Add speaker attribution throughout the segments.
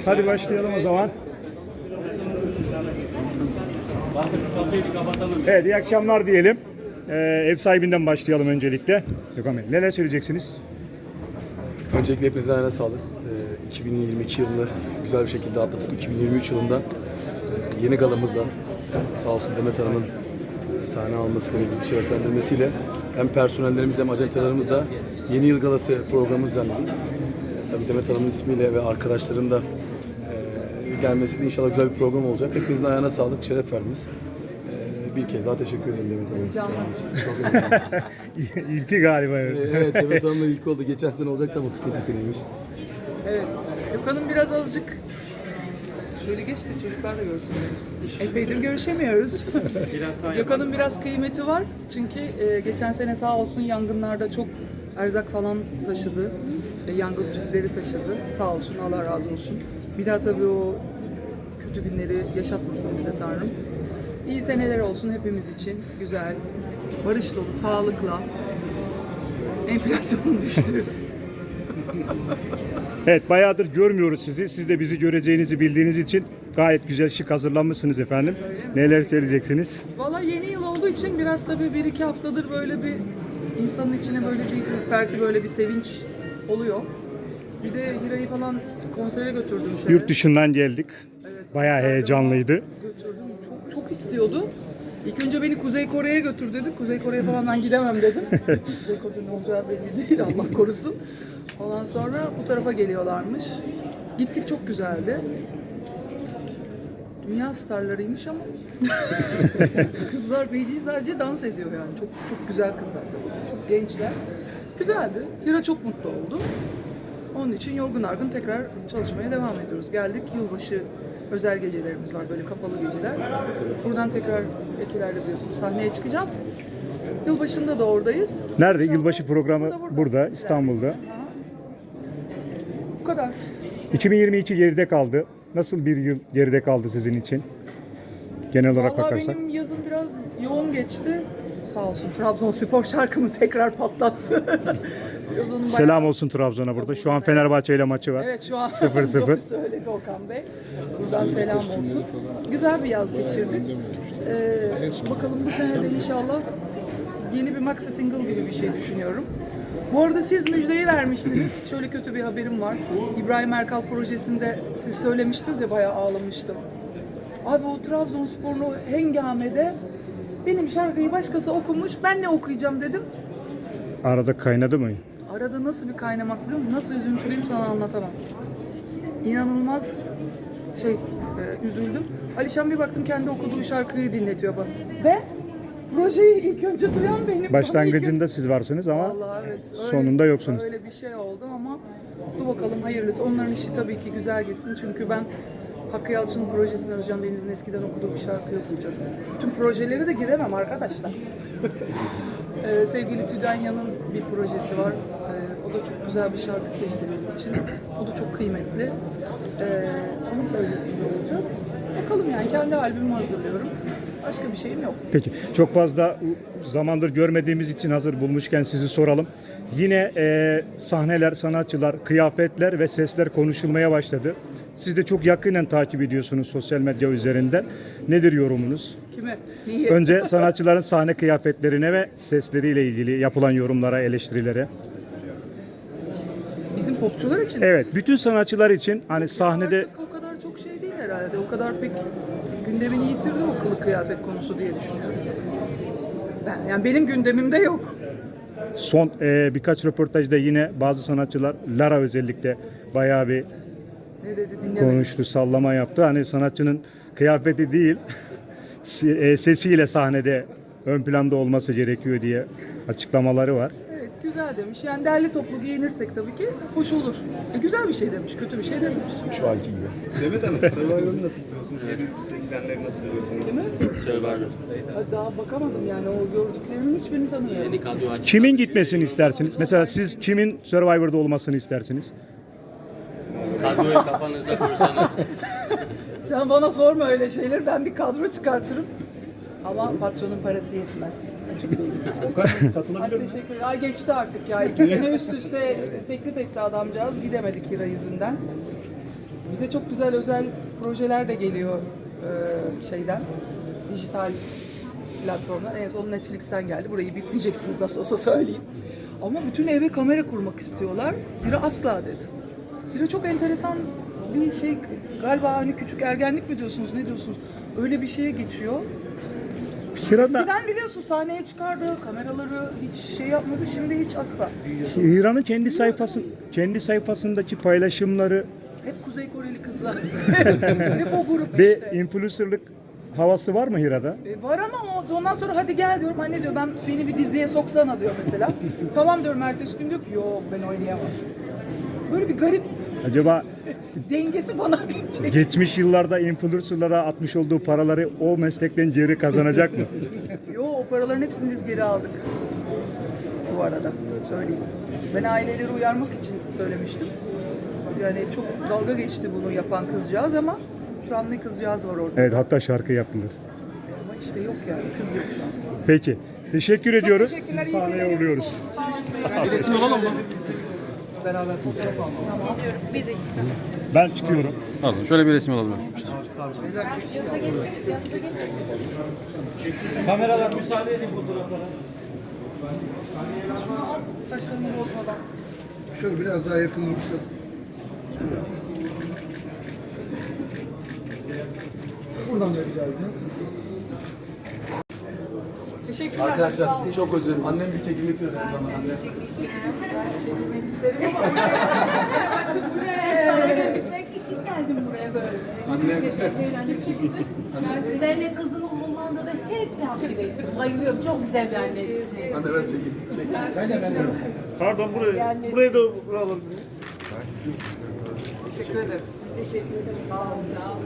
Speaker 1: Hadi başlayalım o zaman. Evet, iyi akşamlar diyelim. Ev sahibinden başlayalım öncelikle. Gökhan Bey, neler söyleyeceksiniz?
Speaker 2: Öncelikle hepinize ayağına sağlık. 2022 yılını güzel bir şekilde atlatıp 2023 yılında yeni galamızla sağ olsun Demet Hanım'ın sahne almasıyla bizi şereflendirmesiyle hem personellerimiz hem ajantalarımızla yeni yıl galası programı düzenledik. Tabii Demet Hanım'ın ismiyle ve arkadaşların da gelmesiyle inşallah güzel bir program olacak. Hepinizin ayağına sağlık, şeref verdiniz. Bir kez daha teşekkür ederim Demet Hanım. Çok önemli.
Speaker 1: İlki galiba. Evet.
Speaker 2: Evet, Demet Hanım'la ilk oldu. Geçen sene olacaktı ama kısmet bir seneymiş.
Speaker 3: Evet. Gökhan'ım biraz azıcık şöyle geç de çocuklar da görsün beni. Epeydir görüşemiyoruz. Gökhan'ın biraz kıymeti var. Çünkü geçen sene sağ olsun yangınlarda çok erzak falan taşıdı. Yangın tüpleri taşıdı. Sağ olsun, Allah razı olsun. Bir daha tabii o kötü günleri yaşatmasın bize Tanrım. İyi seneler olsun hepimiz için. Güzel, barış dolu, sağlıkla. Enflasyonun düştüğü.
Speaker 1: Evet, bayağıdır görmüyoruz sizi. Siz de bizi göreceğinizi bildiğiniz için gayet güzel şık hazırlanmışsınız efendim. Neler söyleyeceksiniz?
Speaker 3: Valla yeni yıl olduğu için biraz tabii 1-2 haftadır böyle bir insanın içine böyle bir ürperti, böyle bir sevinç oluyor. Bir de Hira'yı falan konsere götürdüm.
Speaker 1: Yurt dışından geldik.
Speaker 3: Evet,
Speaker 1: Bayağı
Speaker 3: konserde
Speaker 1: heyecanlıydı.
Speaker 3: Götürdüm. Çok istiyordu. İlk önce beni Kuzey Kore'ye götür dedi. Kuzey Kore'ye falan ben gidemem dedim. Kuzey Kore'de ne olacağı belli değil, Allah korusun. Ondan sonra bu tarafa geliyorlarmış. Gittik, çok güzeldi. Dünya starlarıymış ama kızlar feci sadece dans ediyor yani. Çok güzel kızlar tabii. Çok gençler. Güzeldi. Hira çok mutlu oldu. Onun için yorgun argın tekrar çalışmaya devam ediyoruz. Geldik, yılbaşı özel gecelerimiz var, böyle kapalı geceler. Buradan tekrar Etiler'de biliyorsunuz sahneye çıkacağım. Yılbaşında da oradayız.
Speaker 1: Nerede?
Speaker 3: İnşallah
Speaker 1: Yılbaşı programı burada,
Speaker 3: Etiler'de.
Speaker 1: İstanbul'da.
Speaker 3: Aha. Bu kadar.
Speaker 1: 2022 geride kaldı. Nasıl bir yıl geride kaldı sizin için? Genel olarak
Speaker 3: Vallahi
Speaker 1: bakarsak.
Speaker 3: benim yazım biraz yoğun geçti. Sağ olsun Trabzonspor şarkımı tekrar patlattı. Biraz onun
Speaker 1: Selam olsun Trabzon'a burada. Şu an Fenerbahçe ile maçı var.
Speaker 3: Evet, şu an
Speaker 1: 0-0.
Speaker 3: doğru söyledi Okan Bey. Buradan selam olsun. Güzel bir yaz geçirdik. Bakalım bu sene de inşallah yeni bir maxi single gibi bir şey düşünüyorum. Bu arada siz müjdeyi vermiştiniz. Şöyle kötü bir haberim var. İbrahim Erkal projesinde siz söylemiştiniz ya, bayağı ağlamıştım. Abi o Trabzonspor'un o hengamede benim şarkıyı başkası okumuş, ben ne okuyacağım dedim.
Speaker 1: Arada kaynadı mı?
Speaker 3: Arada nasıl bir kaynamak biliyor musun? Nasıl üzüntülüyüm sana anlatamam. İnanılmaz üzüldüm. Alişan bir baktım kendi okuduğu şarkıyı dinletiyor bana. Ve projeyi ilk önce duyan benim.
Speaker 1: Başlangıcında siz varsınız ama
Speaker 3: Vallahi evet.
Speaker 1: sonunda yoksunuz.
Speaker 3: Öyle bir şey oldu ama dur bakalım hayırlısı. Onların işi tabii ki güzel gitsin. Çünkü ben Hakkı Yalçın'ın projesine Özcan Deniz'in eskiden okuduğu bir şarkı okuyacağım. Bütün projeleri de giremem arkadaşlar. Sevgili Tüdanya'nın bir projesi var. O da çok güzel bir şarkı seçti bizim için. O da çok kıymetli. Onun projesinde olacağız. Bakalım yani, kendi albümümü hazırlıyorum. Başka bir şeyim yok.
Speaker 1: Peki, çok fazla zamandır görmediğimiz için hazır bulmuşken sizi soralım. Yine sahneler, sanatçılar, kıyafetler ve sesler konuşulmaya başladı. Siz de çok yakinen takip ediyorsunuz sosyal medya üzerinden. Nedir yorumunuz?
Speaker 3: Kime? Niye?
Speaker 1: Önce sanatçıların sahne kıyafetlerine ve sesleriyle ilgili yapılan yorumlara, eleştirilere.
Speaker 3: Bizim popçular için.
Speaker 1: Evet, bütün sanatçılar için hani sahnede
Speaker 3: Artık o kadar çok şey değil herhalde. O kadar pek gündemini yitirdi o kılık kıyafet konusu diye düşünüyorum. Yani benim gündemimde yok.
Speaker 1: son birkaç röportajda yine bazı sanatçılar, Lara özellikle bayağı bir
Speaker 3: Ne dedi dinlemedim.
Speaker 1: konuştu, sallama yaptı. Hani sanatçının kıyafeti değil, sesiyle sahnede ön planda olması gerekiyor diye açıklamaları var.
Speaker 3: Evet, güzel demiş. Yani derli toplu giyinirsek tabii ki hoş olur. Güzel bir şey demiş, kötü bir şey dememiş.
Speaker 2: Şu anki gibi.
Speaker 4: Demet Hanım, Survivor'ı nasıl buluyorsunuz? Yeni seçilenleri nasıl buluyorsunuz?
Speaker 3: Değil mi?
Speaker 5: Survivor.
Speaker 3: Daha bakamadım yani, o gördüklerimin hiçbirini tanımıyorum.
Speaker 5: Yeni kadro açık.
Speaker 1: Kimin gitmesini istersiniz? Mesela siz kimin Survivor'da olmasını istersiniz?
Speaker 5: Kadroyu kafanızda kursanız.
Speaker 3: Sen bana sorma öyle şeyler, ben bir kadro çıkartırım. Ama patronun parası yetmez.
Speaker 4: Okan
Speaker 3: Ay
Speaker 4: katılabilir mi?
Speaker 3: teşekkür ederim. Ay geçti artık ya. 2 sene üst üste teklif etti adamcağız. Gidemedik Hira yüzünden. Bize çok güzel özel projeler de geliyor şeyden, dijital platformdan. En son Netflix'ten geldi. Burayı bipleyeceksiniz nasıl olsa söyleyeyim. Ama bütün eve kamera kurmak istiyorlar. Biri asla dedi. Biri çok enteresan bir şey galiba, hani küçük ergenlik mi diyorsunuz, ne diyorsunuz? Öyle bir şeye geçiyor.
Speaker 1: Hira'da,
Speaker 3: Eskiden biliyorsun sahneye çıkardı, kameraları hiç şey yapmadı, şimdi hiç asla.
Speaker 1: Hira'nın kendi sayfasındaki paylaşımları
Speaker 3: Hep Kuzey Koreli kızlar. Hep o grup
Speaker 1: ve
Speaker 3: işte.
Speaker 1: influencerlık havası var mı Hira'da?
Speaker 3: Var ama ondan sonra hadi gel diyorum. Anne diyor, beni bir diziye soksana diyor mesela. Tamam diyorum, ertesi gün diyor ki yok ben oynayamam. Böyle bir garip
Speaker 1: Acaba
Speaker 3: dengesi bana geçecek.
Speaker 1: geçmiş yıllarda influencerlara atmış olduğu paraları o meslekten geri kazanacak mı?
Speaker 3: Yo, o paraların hepsini biz geri aldık. Bu arada söyleyeyim. Ben aileleri uyarmak için söylemiştim. Yani çok dalga geçti bunu yapan kızcağız ama şu an ne kızcağız var orada.
Speaker 1: Evet, hatta şarkı yapılır.
Speaker 3: Ama işte yok yani, kız yok şu an.
Speaker 1: Peki. Teşekkür ediyoruz.
Speaker 3: teşekkürler,
Speaker 1: Sizi
Speaker 3: iyi
Speaker 1: sahneye
Speaker 3: seyirler.
Speaker 1: uğurluyoruz. Ben çıkıyorum.
Speaker 6: Pardon, şöyle bir resim alabilir miyim?
Speaker 4: Kameralar müsaade edin fotoğraflara.
Speaker 3: Saçlarımı bozmadan.
Speaker 7: Şöyle biraz daha yakın durursak. Buradan da rica edeceğim.
Speaker 3: Teşekkürler.
Speaker 2: Arkadaşlar çok özür dilerim. Annem bir çekilmek istedi. Annem.
Speaker 3: Çekilmek isterim ama
Speaker 8: Gitmek için geldim buraya böyle.
Speaker 2: Annem.
Speaker 8: Seninle kızının oğlunda da hep takip ettim. Bayılıyorum. Çok güzel bir annesi.
Speaker 2: Anne ver çekil.
Speaker 4: Pardon buraya da alalım.
Speaker 3: teşekkür ederiz. Teşekkür ederim. Sağ olun. Sağ olun.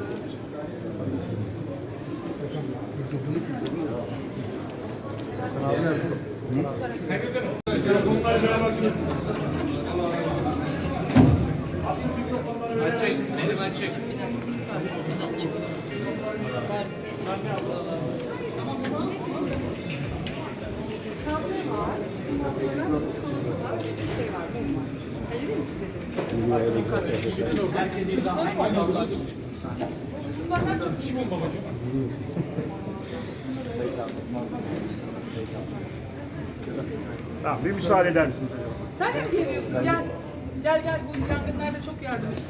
Speaker 1: Tamam, bir müsaade eder misiniz acaba?
Speaker 3: Sen de mi geliyorsun? Gel. Gel bu yangınlarda çok yardım ettik.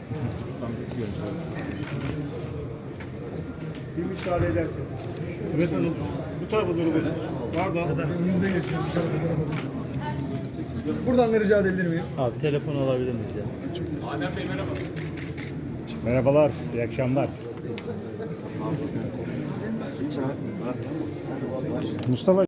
Speaker 1: Bir müsaade ederseniz.
Speaker 4: Evet hanım. Bu tarafa doğru böyle. Pardon.
Speaker 7: Önünüze geçiyorum. Buradan da rica edebilir miyim?
Speaker 5: Abi telefon alabilir miyiz ya?
Speaker 1: Merhabalar, iyi akşamlar. Mustafa.